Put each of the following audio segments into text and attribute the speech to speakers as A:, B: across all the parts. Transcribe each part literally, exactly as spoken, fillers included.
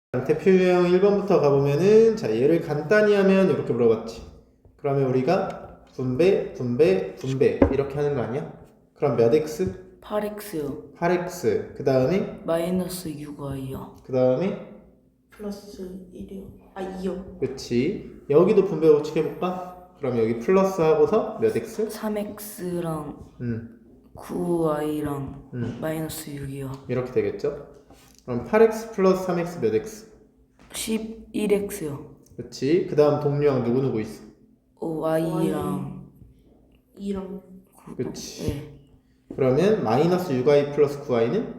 A: 대표 유형 일 번부터 가보면은 자 얘를 간단히 하면 이렇게 물어봤지. 그러면 우리가 분배, 분배, 분배 이렇게 하는 거 아니야? 그럼 몇 x?
B: 팔 엑스요.
A: 팔 엑스. 그 다음에
B: 마이너스 육 와이요.
A: 그 다음에
C: 플러스 일이요. 아 이요.
A: 그치. 여기도 분배 법칙 해볼까? 그럼 여기 플러스 하고서 몇 x?
B: 삼 엑스랑
A: 음,
B: 구 와이랑
A: 음.
B: 마이너스 육이요.
A: 이렇게 되겠죠? 그럼 팔 엑스 플러스 삼 엑스 몇 x?
B: 십일 엑스요.
A: 그치. 그 다음 동료랑 누구누구 있어?
B: 오 와이랑
C: 이랑
A: 그치.
B: 네.
A: 그러면 마이너스 육 와이 플러스 구 와이는?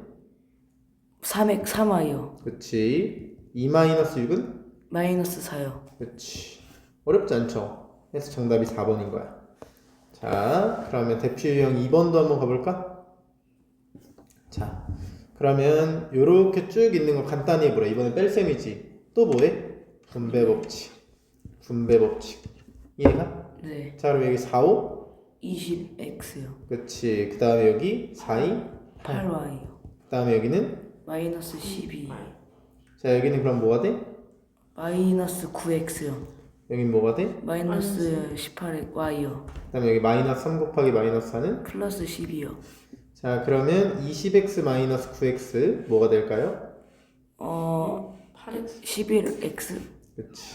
B: 삼 엑스 삼 와이요.
A: 그치. 이 마이너스 육은?
B: 마이너스 사요.
A: 그치. 어렵지 않죠? 그래서 정답이 사 번인 거야. 자, 그러면 대표 유형 이 번도 한번 가볼까? 자, 그러면 요렇게 쭉 있는 거 간단히 해보라. 이번엔 뺄셈이지. 또 뭐해? 분배 법칙. 분배 법칙. 이해가?
B: 네.
A: 자, 그럼 여기 사, 오?
B: 이십 엑스요.
A: 그치. 그 다음에 여기 사, 이?
B: 팔 와이요.
A: 그 다음에 여기는?
B: 마이너스 십이.
A: 자, 여기는 그럼 뭐가 돼?
B: 마이너스 구 엑스요.
A: 여긴 뭐가 돼?
B: 마이너스 십팔 와이요.
A: 그 다음에 여기 마이너스 삼 곱하기 마이너스 사는?
B: 플러스 십이요.
A: 자, 그러면 이십 엑스 마이너스 구 엑스 뭐가 될까요?
B: 어
C: 팔 엑스.
B: 십일 엑스
A: 그치.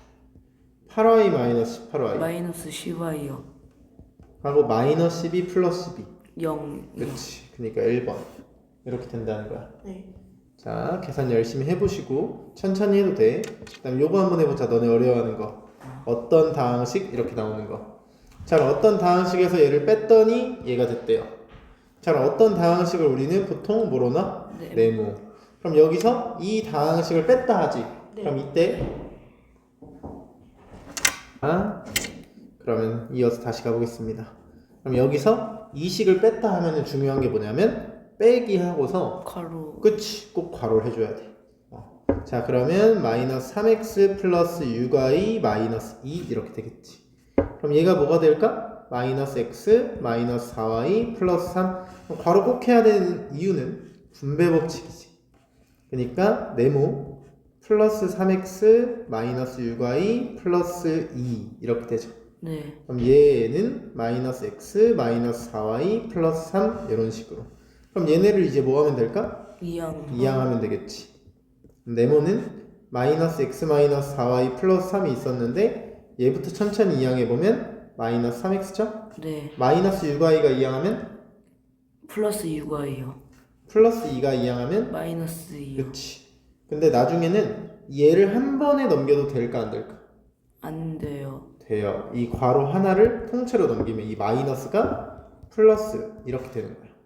A: 팔 와이 마이너스 십팔 와이
B: 마이너스 십 와이요.
A: 하고 마이너스 십이 플러스 십이.
B: 영.
A: 그치. 그러니까 일 번 이렇게 된다는 거야.
C: 네.
A: 자, 계산 열심히 해보시고 천천히 해도 돼. 그 다음 요거 한번 해보자. 너네 어려워하는 거. 어떤 다항식 이렇게 나오는 거. 자, 그럼 어떤 다항식에서 얘를 뺐더니 얘가 됐대요. 자, 그럼 어떤 다항식을 우리는 보통 뭐로 놔?
B: 네.
A: 네모. 그럼 여기서 이 다항식을 뺐다 하지.
C: 네.
A: 그럼 이때 아, 그러면 이어서 다시 가보겠습니다. 그럼 여기서 이 식을 뺐다 하면 중요한 게 뭐냐면 빼기 하고서
B: 가로.
A: 그치, 꼭 괄호를 해줘야 돼. 어. 자, 그러면 마이너스 삼 엑스 플러스 육 와이 마이너스 이 이렇게 되겠지. 그럼 얘가 뭐가 될까? 마이너스 x 마이너스 사 와이 플러스 삼. 그럼 괄호 꼭 해야 되는 이유는 분배 법칙이지. 그러니까 네모 플러스 삼 엑스 마이너스 육 와이 플러스 이 이렇게 되죠.
B: 네.
A: 그럼 얘는 마이너스 x 마이너스 사 와이 플러스 삼 이런 식으로. 그럼 얘네를 이제 뭐 하면 될까?
B: 이항.
A: 이항하면 되겠지. 네모는 마이너스 x 마이너스 사 와이 플러스 삼이 있었는데 얘부터 천천히 이항해보면 마이너스 삼 엑스죠?
B: 네.
A: 마이너스 육 와이가 이항하면
B: 플러스 육 와이요.
A: 플러스 이가 이항하면
B: 마이너스 이요.
A: 그치. 근데 나중에는 얘를 한 번에 넘겨도 될까 안 될까?
B: 안 돼요.
A: 돼요. 이 괄호 하나를 통째로 넘기면 이 마이너스가 플러스 이렇게 되는 거야.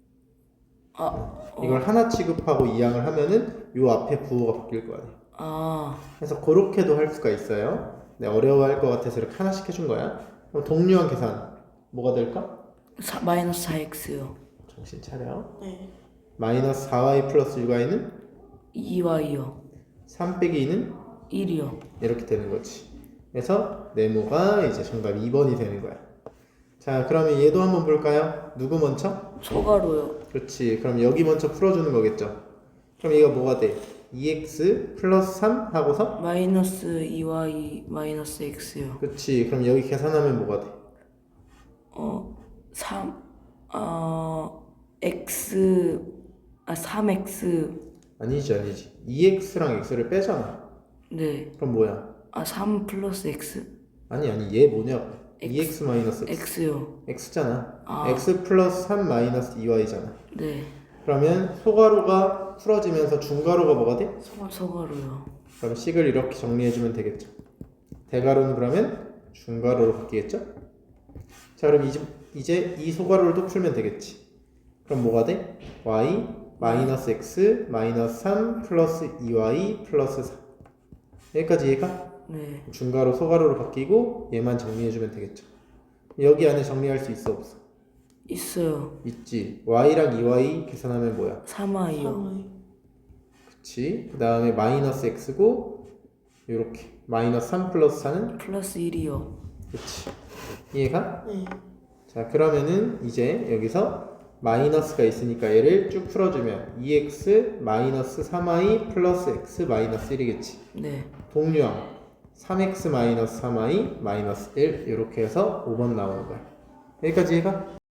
B: 아. 어.
A: 이걸 하나 취급하고 이항을 하면은 요 앞에 부호가 바뀔 거 아니야.
B: 아.
A: 그래서 그렇게도 할 수가 있어요. 네, 어려워할 것 같아서 이렇게 하나씩 해준 거야. 그럼 동류한 계산 뭐가 될까?
B: 사, 마이너스 사 엑스요.
A: 정신 차려.
C: 네.
A: 마이너스 사 와이 플러스 육 와이는
B: 이 와이요.
A: 삼 빼기 이는
B: 일이요.
A: 이렇게 되는 거지. 그래서 네모가 이제 정답 이 번이 되는 거야. 자, 그러면 얘도 한번 볼까요? 누구 먼저?
B: 소가로요.
A: 그렇지. 그럼 여기 먼저 풀어주는 거겠죠. 그럼 얘가 뭐가 돼? 이 엑스 플러스 삼 하고서
B: 마이너스 이 와이 마이너스 x요.
A: 그렇지. 그럼 여기 계산하면 뭐가 돼?
B: 어. 삼. 어. x. 아 삼 엑스.
A: 아니지 아니지. 이 엑스랑 x를 빼잖아.
B: 네.
A: 그럼 뭐야?
B: 아 삼 플러스 x.
A: 아니 아니 얘 뭐냐고.
B: X.
A: 이 엑스 마이너스 x.
B: x요.
A: x잖아.
B: 아.
A: x 플러스 삼 마이너스 이 와이잖아.
B: 네.
A: 그러면 소가로가 풀어지면서 중가로가 뭐가 돼?
B: 소가로요.
A: 그럼 식을 이렇게 정리해주면 되겠죠. 대가로는 그러면 중가로로 바뀌겠죠? 자, 그럼 이제, 이제 이 소가로를 또 풀면 되겠지. 그럼 뭐가 돼? y 마이너스 x 마이너스 삼 플러스 이 와이 플러스 사. 여기까지 이해가?
B: 네.
A: 중가로 소가로로 바뀌고 얘만 정리해주면 되겠죠. 여기 안에 정리할 수 있어 없어?
B: 있어요.
A: 있지. y랑 이 와이 계산하면 뭐야?
B: 삼 와이요.
C: 삼
A: 그치. 그 다음에 마이너스 x고 요렇게 마이너스 삼 플러스 사는
B: 플러스 일이요.
A: 그치. 이해가?
C: 네.
A: 자, 그러면은 이제 여기서 마이너스가 있으니까 얘를 쭉 풀어주면 이 엑스 마이너스 삼 와이 플러스 x 마이너스 일이겠지.
B: 네.
A: 동류항 삼 엑스 마이너스 삼 와이 마이너스 일 이렇게 해서 오 번 나오는 거야. 여기까지 해가?